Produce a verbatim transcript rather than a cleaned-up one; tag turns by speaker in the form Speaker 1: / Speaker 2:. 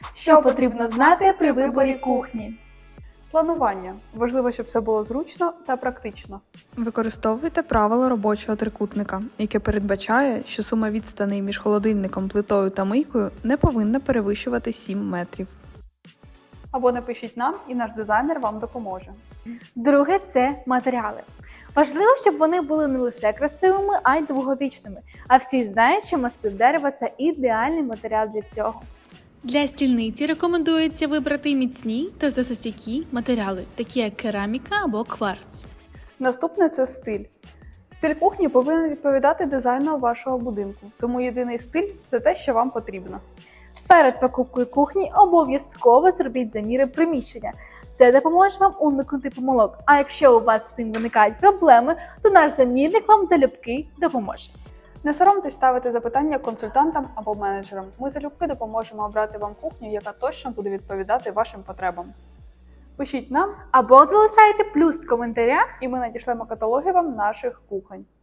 Speaker 1: Що потрібно знати при виборі кухні?
Speaker 2: Планування. Важливо, щоб все було зручно та практично.
Speaker 3: Використовуйте правило робочого трикутника, яке передбачає, що сума відстаней між холодильником, плитою та мийкою не повинна перевищувати сім метрів.
Speaker 2: Або напишіть нам, і наш дизайнер вам допоможе.
Speaker 1: Друге – це матеріали. Важливо, щоб вони були не лише красивими, а й довговічними. А всі знають, що масив дерева – це ідеальний матеріал для цього.
Speaker 4: Для стільниці рекомендується вибрати міцні та зносостійкі матеріали, такі як кераміка або кварц.
Speaker 2: Наступне – це стиль. Стиль кухні повинен відповідати дизайну вашого будинку, тому єдиний стиль – це те, що вам потрібно.
Speaker 1: Перед покупкою кухні обов'язково зробіть заміри приміщення. Це допоможе вам уникнути помилок. А якщо у вас з цим виникають проблеми, то наш замірник вам залюбки допоможе.
Speaker 2: Не соромтесь ставити запитання консультантам або менеджерам. Ми залюбки допоможемо обрати вам кухню, яка точно буде відповідати вашим потребам. Пишіть нам,
Speaker 1: Або залишайте плюс в коментарях.
Speaker 2: і ми надішлемо каталоги вам наших кухонь.